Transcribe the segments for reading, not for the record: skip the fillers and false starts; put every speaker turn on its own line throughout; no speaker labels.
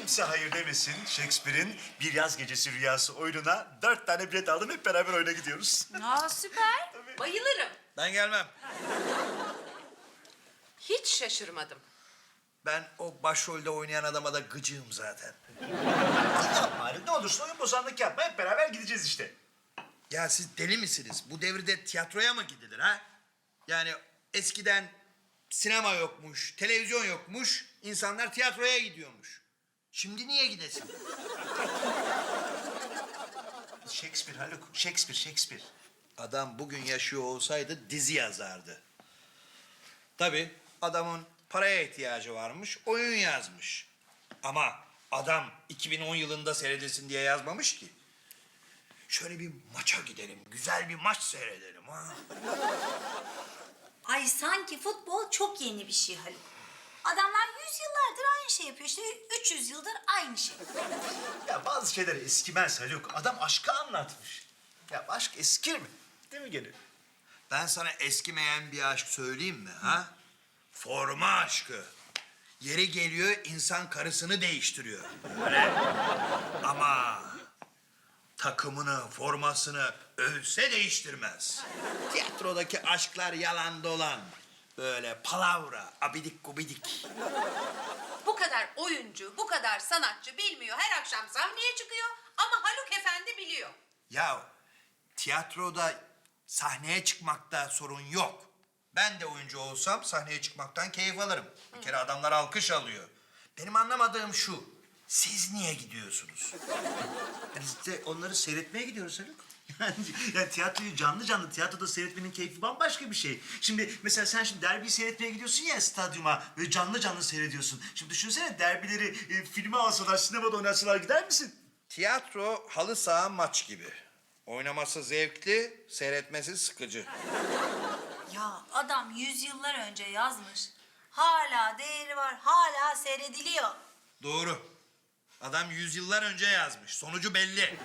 kimse hayır demesin. Shakespeare'in Bir Yaz Gecesi Rüyası oyununa 4 tane bilet aldım. Hep beraber oyuna gidiyoruz.
Aa süper. Bayılırım.
Ben gelmem.
Hiç şaşırmadım.
Ben o başrolde oynayan adama da gıcığım zaten.
Yapma Haluk, ne olursun oyun bozanlık yapma. Hep beraber gideceğiz işte.
Ya siz deli misiniz? Bu devirde tiyatroya mı gidilir ha? Yani eskiden sinema yokmuş, televizyon yokmuş, insanlar tiyatroya gidiyormuş. Şimdi niye gidesin?
Shakespeare Haluk, Shakespeare.
Adam bugün yaşıyor olsaydı dizi yazardı. Tabii adamın paraya ihtiyacı varmış, oyun yazmış. Ama adam 2010 yılında seyredilsin diye yazmamış ki. Şöyle bir maça gidelim, güzel bir maç seyredelim ha.
Ay sanki futbol çok yeni bir şey Haluk. Adamlar 100 yıllardır aynı şey yapıyor. İşte 300 yıldır aynı şey.
Ya bazı şeyler eskimez Haluk. Adam aşkı anlatmış. Ya aşk eskir mi? Değil mi gene?
Ben sana eskimeyen bir aşk söyleyeyim mi ha? Forma aşkı. Yeri geliyor insan karısını değiştiriyor. Öyle. Ama takımını, formasını ölse değiştirmez. Tiyatrodaki aşklar yalan dolan. Böyle palavra, abidik gubidik.
Bu kadar oyuncu, bu kadar sanatçı bilmiyor. Her akşam sahneye çıkıyor ama Haluk Efendi biliyor.
Ya tiyatroda sahneye çıkmakta sorun yok. Ben de oyuncu olsam sahneye çıkmaktan keyif alırım. Bir kere adamlar alkış alıyor. Benim anlamadığım şu. Siz niye gidiyorsunuz?
Biz de onları seyretmeye gidiyoruz Haluk. Yani tiyatroyu canlı tiyatroda seyretmenin keyfi bambaşka bir şey. Şimdi mesela sen şimdi derbiyi seyretmeye gidiyorsun ya stadyuma ve canlı seyrediyorsun. Şimdi düşünsene derbileri filme alsalar, sinemada oynatsalar gider misin?
Tiyatro halı saha maç gibi. Oynaması zevkli, seyretmesi sıkıcı.
Ya adam 100 yıllar önce yazmış. Hala değeri var, hala seyrediliyor.
Doğru. Adam yüzyıllar önce yazmış. Sonucu belli.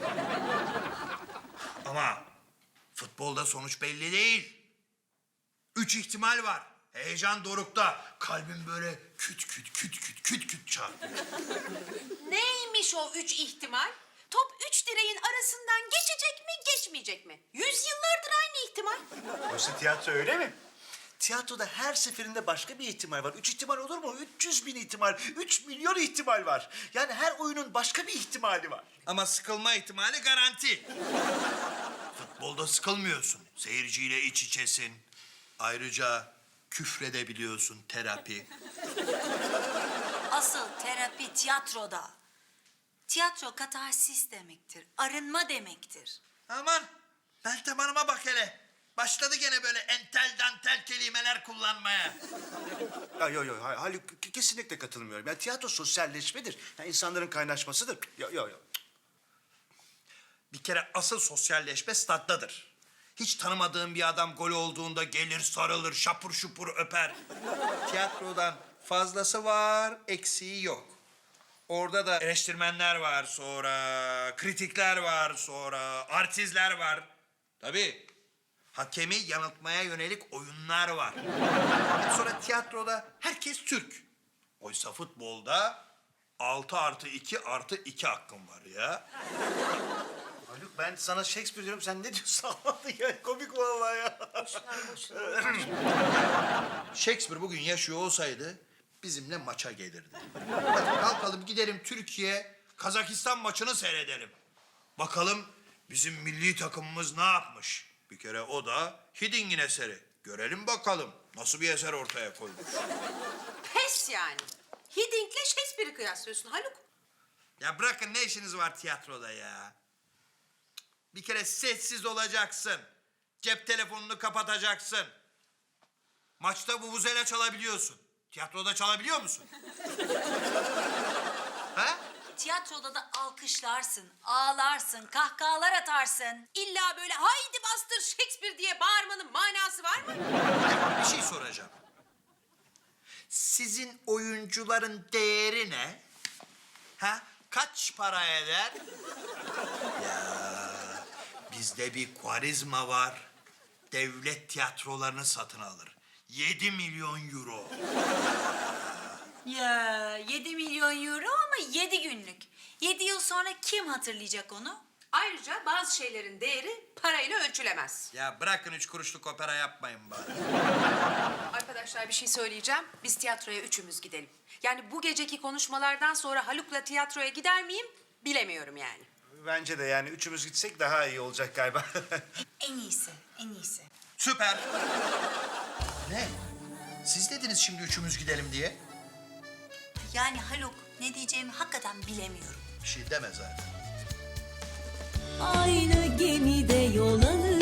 Ama futbolda sonuç belli değil. 3 ihtimal var. Heyecan dorukta. Kalbim böyle küt küt çarpıyor.
Neymiş o 3 ihtimal? Top 3 direğin arasından geçecek mi, geçmeyecek mi? 100 yıllardır aynı ihtimal.
Oysa tiyatro öyle mi? Tiyatroda her seferinde başka bir ihtimal var. 3 ihtimal olur mu? 300 bin ihtimal, 3 milyon ihtimal var. Yani her oyunun başka bir ihtimali var.
Ama sıkılma ihtimali garanti. Futbolda sıkılmıyorsun. Seyirciyle iç içesin. Ayrıca küfredebiliyorsun, terapi.
Asıl terapi tiyatroda. Tiyatro katarsis demektir, arınma demektir.
Aman Meltem Hanım'a bak hele. Başladı gene böyle entel dantel kelimeler kullanmaya.
Yok Haluk kesinlikle katılmıyorum. Yani tiyatro sosyalleşmedir. Yani insanların kaynaşmasıdır. Yok.
Bir kere asıl sosyalleşme staddadır. Hiç tanımadığın bir adam gol olduğunda gelir sarılır şapur şupur öper. Tiyatrodan fazlası var, eksiği yok. Orada da eleştirmenler var sonra, kritikler var sonra, artistler var. Tabii hakemi yanıltmaya yönelik oyunlar var. Sonra tiyatroda herkes Türk. Oysa futbolda 6+2+2 hakkım var ya.
Haluk ben sana Shakespeare diyorum. Sen ne diyorsun? Ya, komik vallahi ya.
Shakespeare bugün yaşıyor olsaydı bizimle maça gelirdi. Hadi kalkalım gidelim Türkiye, Kazakistan maçını seyredelim. Bakalım bizim milli takımımız ne yapmış? Bir kere o da Hidding'in eseri. Görelim bakalım nasıl bir eser ortaya koymuş.
Pes yani. Hidding'le Shakespeare'i kıyaslıyorsun Haluk.
Ya bırakın ne işiniz var tiyatroda ya? Bir kere sessiz olacaksın. Cep telefonunu kapatacaksın. Maçta vuvuzela çalabiliyorsun. Tiyatroda çalabiliyor musun? Ha?
Tiyatroda da alkışlarsın, ağlarsın, kahkahalar atarsın.
İlla böyle haydi bastır Shakespeare diye bağırmanın manası var mı?
Bir şey soracağım. Sizin oyuncuların değeri ne? Ha? Kaç para eder? Ya bizde bir Kuarizma var. Devlet tiyatrolarını satın alır. 7 milyon euro.
Ya 7 milyon euro ama 7 günlük. 7 yıl sonra kim hatırlayacak onu?
Ayrıca bazı şeylerin değeri parayla ölçülemez.
Ya bırakın 3 kuruşluk opera yapmayın bari.
Arkadaşlar bir şey söyleyeceğim. Biz tiyatroya üçümüz gidelim. Yani bu geceki konuşmalardan sonra Haluk'la tiyatroya gider miyim bilemiyorum yani.
Bence de yani üçümüz gitsek daha iyi olacak galiba.
En iyisi, en iyisi.
Süper. Ne? Siz dediniz şimdi üçümüz gidelim diye.
Yani Haluk, ne diyeceğimi hakikaten bilemiyorum.
Bir şey deme zaten.
Aynı gemide yol alır.